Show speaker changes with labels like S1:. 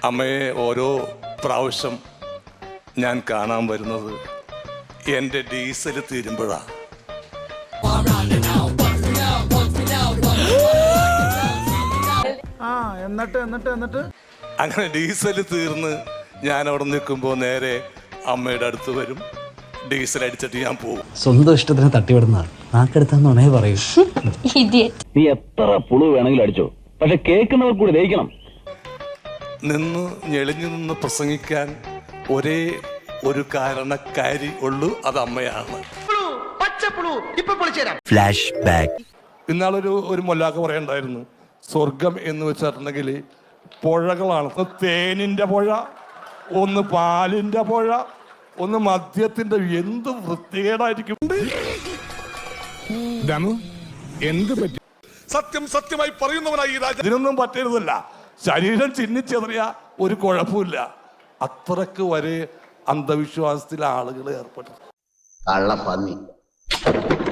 S1: അമ്മയെ ഓരോ പ്രാവശ്യം ഞാൻ കാണാൻ വരുന്നത് എൻ്റെ ഡീസൽ തീരുമ്പോഴാണ്.
S2: എന്നിട്ട്
S1: അങ്ങനെ ഡീസൽ തീർന്ന് ഞാൻ അവിടെ നിൽക്കുമ്പോൾ നേരെ അമ്മയുടെ അടുത്ത് വരും. ഡീസൽ അടിച്ചിട്ട് ഞാൻ പോകും.
S3: സ്വന്തം ഇഷ്ടത്തിന് തട്ടിവിടുന്ന നാക്കെടുത്താന്നേ പറയൂ.
S4: നീ എത്ര പുളു വേണമെങ്കിലും അടിച്ചോ, പക്ഷെ കേൾക്കുന്നവർ കൂടി ദഹിക്കണം.
S1: നിന്ന് ഞെളിഞ്ഞു നിന്ന് പ്രസംഗിക്കാൻ ഒരേ ഒരു കാരണക്കാരി ഉള്ളൂ, അത് അമ്മയാണ്.
S5: Flash back.
S1: ഇന്നാളൊരു മൊല്ലാക്ക പറയണ്ടായിരുന്നു, സ്വർഗം എന്ന് വെച്ചിട്ടുണ്ടെങ്കിൽ പുഴകളാണ്. തേനിന്റെ പുഴ, ഒന്ന് പാലിന്റെ പുഴ, ഒന്ന് മദ്യത്തിന്റെ. എന്ത് വൃത്തികേടായിരിക്കും. എന്ത് പറ്റി? സത്യം സത്യമായി പറയുന്നവനായി ഈ രാജ്യം. ഇതിനൊന്നും പറ്റരുതല്ല. ശരീരം ചിഹ്നിച്ചെറിയ ഒരു കുഴപ്പമില്ല. അത്രക്ക് വരെ അന്ധവിശ്വാസത്തിൽ ആളുകൾ ഏർപ്പെട്ടു.
S5: കള്ളപ്പന്നി.